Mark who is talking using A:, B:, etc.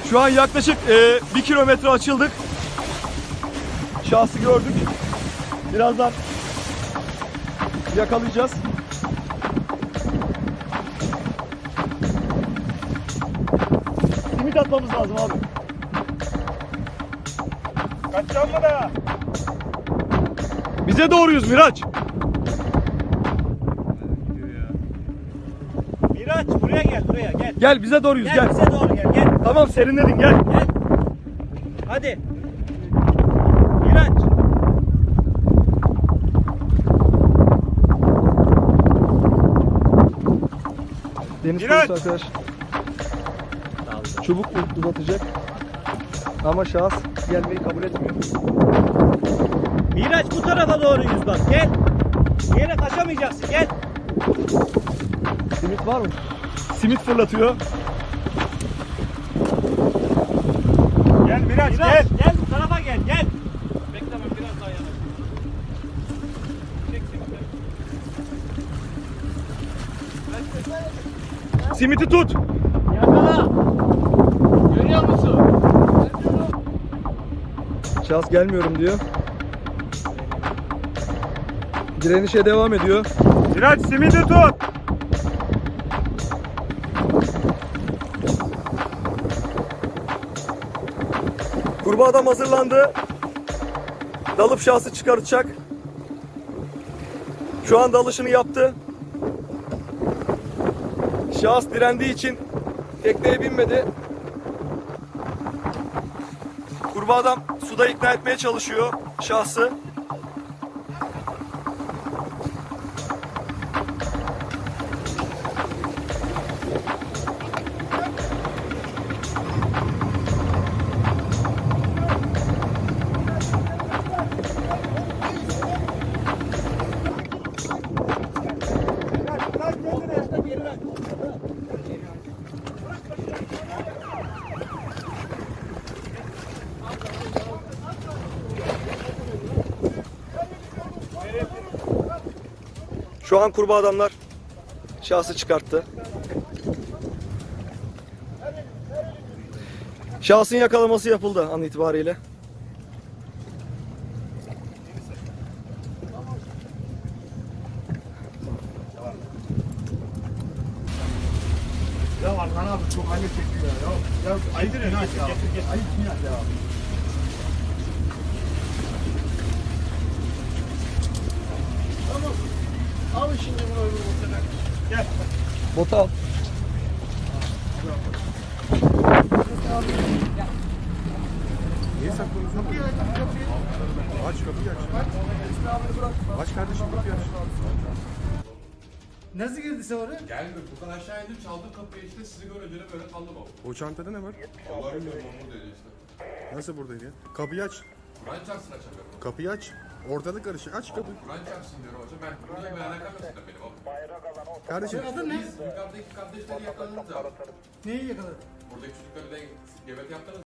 A: Şu an yaklaşık 1 kilometre açıldık. Şahsı gördük. Birazdan yakalayacağız. Simit atmamız lazım abi.
B: Kaçacağım mı da?
A: Bize doğruyuz Miraç.
B: Miraç buraya gel, buraya gel.
A: Gel bize doğruyuz
B: Gel
A: gel.
B: bize doğru gel, gel.
A: Tamam serinledin gel.
B: Gel. Hadi. Miraç.
A: Deniz
B: Miraç!
A: konusu arkadaş. Çubuk uzatacak. Ama şahıs gelmeyi kabul etmiyor.
B: Miraç bu tarafa doğru yüz bak, gel. Bir yere kaçamayacaksın, gel.
A: Simit var mı? Simit fırlatıyor.
B: Gel Miraç, gel. Gel bu tarafa gel, gel. Bekleme biraz daha yana. Çek simiti.
A: Simiti tut.
B: Yakala. Görüyor musun?
A: Şahıs gelmiyorum diyor. Direnişe devam ediyor.
B: Miraç simidi tut.
A: Kurbağa adam hazırlandı. Dalıp şahsı çıkartacak. Şu an dalışını yaptı. Şahıs direndiği için tekneye binmedi. Kurbağa adam suda ikna etmeye çalışıyor şahsı. Şu an kurbağa adamlar şahsı çıkarttı. Şahsın yakalaması yapıldı an itibariyle.
C: Ya Arkan abi çok ayıp çekiyor ya. Ya ayıp günah ya. Ayıp günah ya. Tamam. Abi şimdi bunu öbür ortadan.
B: Gel.
A: Bota al.
C: Niye saklıyorsun? Kapıyı aç. Aç kapıyı aç. Aç kardeşim kapıyı aç.
D: Nasıl girdi sen oraya?
E: Geldim. Buradan aşağı indim. Çaldım kapıyı işte. Sizi görünce de böyle kaldım o.
C: O çantada ne var?
E: Vallahi bilmiyorum onu dedi işte.
C: Nasıl buradaydı ya? Kapıyı aç.
E: Kur'an çarpsın açamıyorum.
C: Kapıyı aç. Ortalık karışık. Aç kapıyı.
E: Kur'an çarpsın diyorum hocam. Ben niye ben alakam yok zaten benim oğlum.
C: Kardeşim.
D: Adın ne?
E: Biz yukarıdaki kardeşleri yakaladınız abi.
D: Neyi yakaladın?
E: Buradaki çocukları da gebet yaptınız.